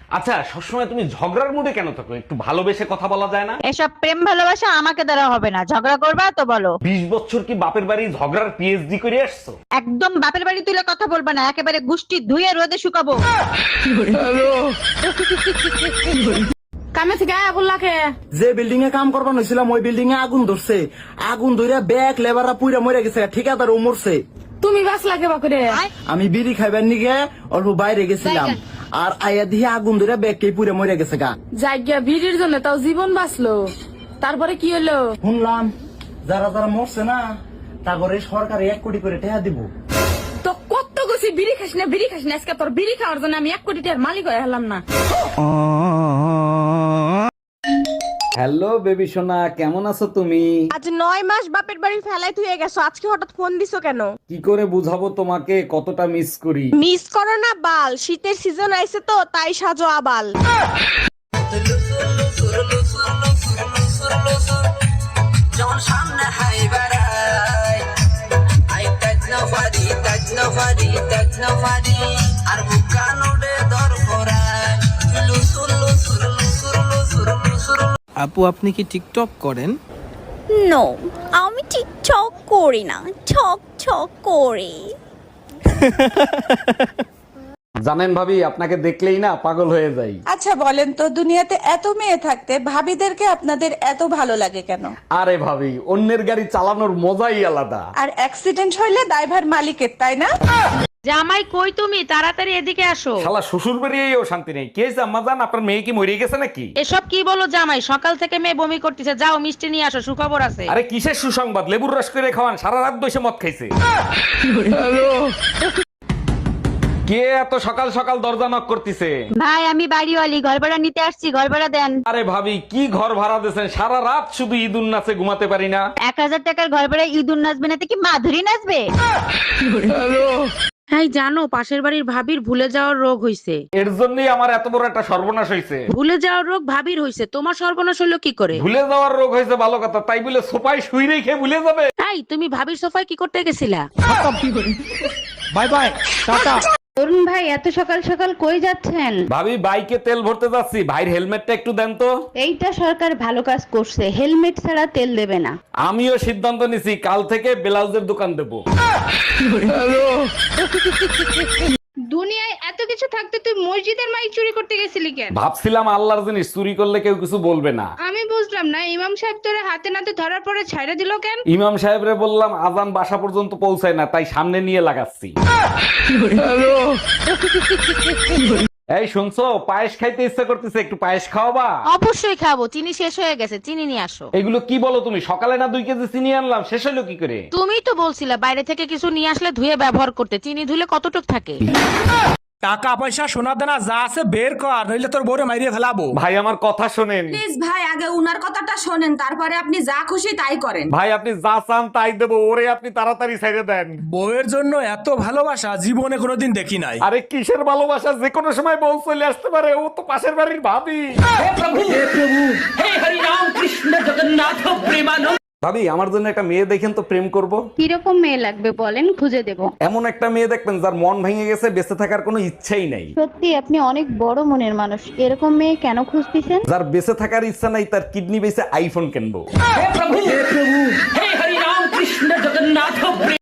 আচ্ছা, সবসময় তুমি ঝগড়ার মুডে কেন থাকো? একটু ভালোবেসে কথা বলা যায় না? এসব প্রেম ভালোবাসা আমাকে দ্বারা হবে না, ঝগড়া করবা তো বলো। 20 বছর কি বাপের বাড়ি ঝগড়ার পিএইচডি করে আসছো? একদম বাপের বাড়ি তুলে কথা বলবা না, একেবারে গুষ্টি ধুয়ে রোদে শুকাবো। কামে থেকে আয়া বললাকে যে বিল্ডিং এ কাম করবার হয়েছিলাম ওই বিল্ডিং এ আগুন ধরছে। আগুন ধরে ব্যাগ লেবাররা পুইরা মরে গেছে, ঠিকাদার ও মরছে। তুমি বাস লাগে বাকুরে আমি বিড়ি খাইবার নিগে অল্প বাইরে গেছিলাম, আর আয়া দিয়ে আগুন ধরে ব্যাগ কে পুইরা মরে গেছে গা। জায়গা ভিড়ির জন্য তাও জীবন বাঁচলো, তারপরে কি হলো? শুনলাম যারা যারা মরছে না তারপরে সরকার 1 কোটি করে টাকা দিব। তো কত গেছি বিড়ি খাস না বিড়ি খাস না, আজকে তোর বিড়ি খাওয়ার জন্য আমি 1 কোটি টাকার মালিক হয়ে হলাম না। হ্যালো বেবি সোনা, কেমন আছো তুমি? আজ 9 মাস বাপের বাড়ি ফেলাই তুই গেছো, আজকে হঠাৎ ফোন দিছো কেন? কি করে বুঝাবো তোমাকে কতটা মিস করি? মিস করো না বাল, শীতের সিজন আইছে তো তাই সাজো আবাল। আপু, আপনি কি টিকটক করেন? নো, আমি টিকটক করি না, ছক ছক করি। জানেন ভাবি, আপনাকে দেখলেই না পাগল হয়ে যাই। আচ্ছা বলেন তো, দুনিয়াতে এত মেয়ে থাকতে ভাবিদেরকে আপনাদের এত ভালো লাগে কেন? আরে ভাবি, অন্যের গাড়ি চালানোর মজাই আলাদা। আর অ্যাক্সিডেন্ট হইলে দায়ভার মালিকের, তাই না? জামাই কই তুমি, তাড়াতাড়ি এদিকে আসো। শালা শ্বশুর বাড়িয়েও শান্তি নেই। কে আম্মা জান, আপনার মেয়ে কি মরে গেছে নাকি? এসব কি বলো জামাই, সকাল থেকে মেয়ে বমি করতেছে, যাও মিষ্টি নিয়ে আসো, সুখবর আছে। আরে কিসের সুসংবাদ? লেবুর রস করে খাওয়ান, সারা রাত বসে মদ খাইছে। কে এত সকাল সকাল দরজা নক করতেছে? ভাই আমি বাড়িওয়ালি, ঘর ভাড়া নিতে আসছি, ঘর ভাড়া দেন। আরে ভাবি, কি ঘর ভাড়া দিয়েছেন? সারা রাত শুধু ঈদুন নাচে ঘুমাতে পারি না। 1000 টাকার ঘর ভাড়া ইঁদুর নাচবে না তো কি মাধুরী নাচবে? হ্যাঁ জানো, পাশের বাড়ির ভাবির ভুলে যাওয়ার রোগ হইছে। এর জন্যই আমার এত বড় একটা সর্বনাশ হয়েছে। ভুলে যাওয়ার রোগ ভাবির হইছে, তোমার সর্বনাশ হলো কি করে? ভুলে যাওয়ার রোগ হয়েছে ভালো কথা, তাই বলে সোফায় শুই রেখে ভুলে যাবে? তাই তুমি ভাবির সোফায় কি করতে গেছিলা? Bye bye, tata. অরুণ ভাই, এত সকাল সকাল কই যাচ্ছেন? ভাবি, বাইকে তেল ভরতে যাচ্ছি, ভাইয়ের হেলমেটটা একটু দেন তো। এইটা সরকার ভালো কাজ করছে, হেলমেট ছাড়া তেল দেবে না। আমিও সিদ্ধান্ত নিছি, কাল থেকে ব্লাউজের দোকান দেবো। দুনিয়ায় এত কিছু থাকতে তুই মসজিদের মাইক চুরি করতে গেছিলি কেন? ভাবছিলাম আল্লাহর জিনিস চুরি করলে কেউ কিছু বলবে না। আমি বুঝলাম না, ইমাম সাহেব তোরে হাতে নাতে ধরার পরে ছাইড়া দিল কেন? ইমাম সাহেবরে বললাম আজান বাসা পর্যন্ত পৌঁছায় না, তাই সামনে নিয়ে লাগাচ্ছি। এই শুনছো, পায়েস খাইতে ইচ্ছা করতেছে, একটু পায়েস খাওয়াবা? অবশ্যই খাবো, চিনি শেষ হয়ে গেছে, চিনি নিয়ে আসো। এগুলো কি বলো তুমি? সকালে না 2 কেজি চিনি আনলাম, শেষ হলো কি করে? তুমি তো বলছিলে বাইরে থেকে কিছু নিয়ে আসলে ধুয়ে ব্যবহার করতে, চিনি ধুলে কতটুক থাকে? টাকা পয়সা সোনা দানা যা আছে বের কর, নইলে তোর বউরে মাইরিয়ে ফেলাবো। ভাই আমার কথা শোনেন। প্লিজ ভাই, আগে উনার কথাটা শোনেন, তারপরে আপনি যা খুশি তাই করেন। ভাই আপনি যা চান তাই দেবো, ওরে আপনি তাড়াতাড়ি ছেড়ে দেন। বউয়ের জন্য এত ভালোবাসা জীবনে কোনোদিন দেখি নাই। আরে কিসের ভালোবাসা, যে কোনো সময় বউ চলে আসতে পারে, ও তো পাশের বাড়ির ভাবি। ভাবি, আমার জন্য একটা মেয়ে দেখেন তো, প্রেম করব। কিরকম মেয়ে লাগবে বলেন, খুঁজে দেব। এমন একটা মেয়ে দেখবেন যার মন ভেঙে গেছে, বেঁচে থাকার কোনো ইচ্ছাই নাই। সত্যি আপনি অনেক বড় মনের মানুষ, এরকম মেয়ে কেন খুঁজতেছেন? যার বেঁচে থাকার ইচ্ছা নাই, তার কিডনি বেঁচে আইফোন কিনবো।